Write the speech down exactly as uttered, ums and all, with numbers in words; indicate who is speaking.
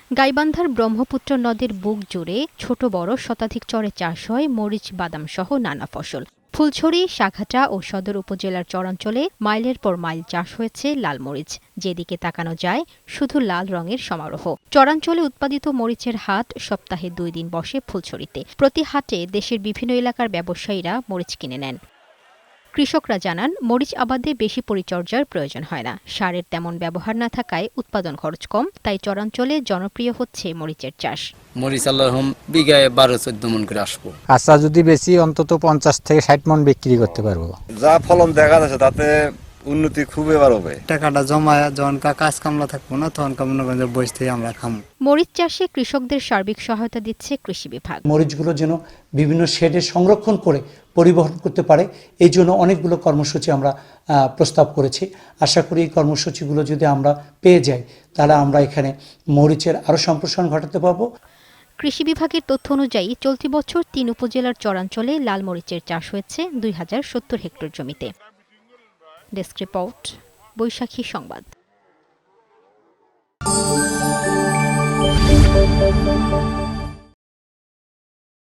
Speaker 1: গাইবান্ধার ব্রহ্মপুত্র নদের বুক জুড়ে ছোট বড় শতাধিক চরে চাষ হয় মরিচ, বাদাম সহ নানা ফসল। ফুলছড়ি, সাঘাটা ও সদর উপজেলার চরাঞ্চলে মাইলের পর মাইল চাষ হয়েছে লাল মরিচ। যেদিকে তাকানো যায় শুধু লাল রঙের সমারোহ। চরাঞ্চলে উৎপাদিত মরিচের হাট সপ্তাহে দুই দিন বসে ফুলছড়িতে। প্রতি হাটে দেশের বিভিন্ন এলাকার ব্যবসায়ীরা মরিচ কিনে নেন। কৃষকরা জানান, মরিচ আবাদে বেশি পরিচর্যার প্রয়োজন হয় না। সারের তেমন ব্যবহার না থাকায় উৎপাদন খরচ কম, তাই চরাঞ্চলে জনপ্রিয় হচ্ছে মরিচের চাষ।
Speaker 2: মরিচ আল্লাহম বিঘায় বারো চোদ্দ মন করে আসবো।
Speaker 3: কাঁচা যদি বেশি অন্তত পঞ্চাশ থেকে ষাট মন বিক্রি করতে পারবো।
Speaker 4: যা ফলন দেখা যাচ্ছে তাতে উন্নতি খুবই এবার হবে।
Speaker 5: টাকাটা জমায় যখন কাজ কামলা থাকবো না তখন মনে করেন বসে থেকে আমরা খাবো।
Speaker 1: মরিচ চাষে কৃষকদের সার্বিক সহায়তা দিচ্ছে কৃষি বিভাগ।
Speaker 6: মরিচগুলো যেন বিভিন্ন শেডে সংরক্ষণ করে পরিবহন করতে পারে, এই জন্য অনেকগুলো কর্মসূচি আমরা প্রস্তাব করেছি। আশা করি এই কর্মসূচিগুলো যদি আমরা পেয়ে যাই তাহলে আমরা এখানে মরিচের আরও সম্প্রসারণ ঘটাতে পারবো।
Speaker 1: কৃষি বিভাগের তথ্য অনুযায়ী চলতি বছর তিন উপজেলার চরাঞ্চলে লাল মরিচের চাষ হয়েছে দুই হাজার সত্তর হেক্টর জমিতে। ডেস্ক রিপোর্ট, বৈশাখী সংবাদ।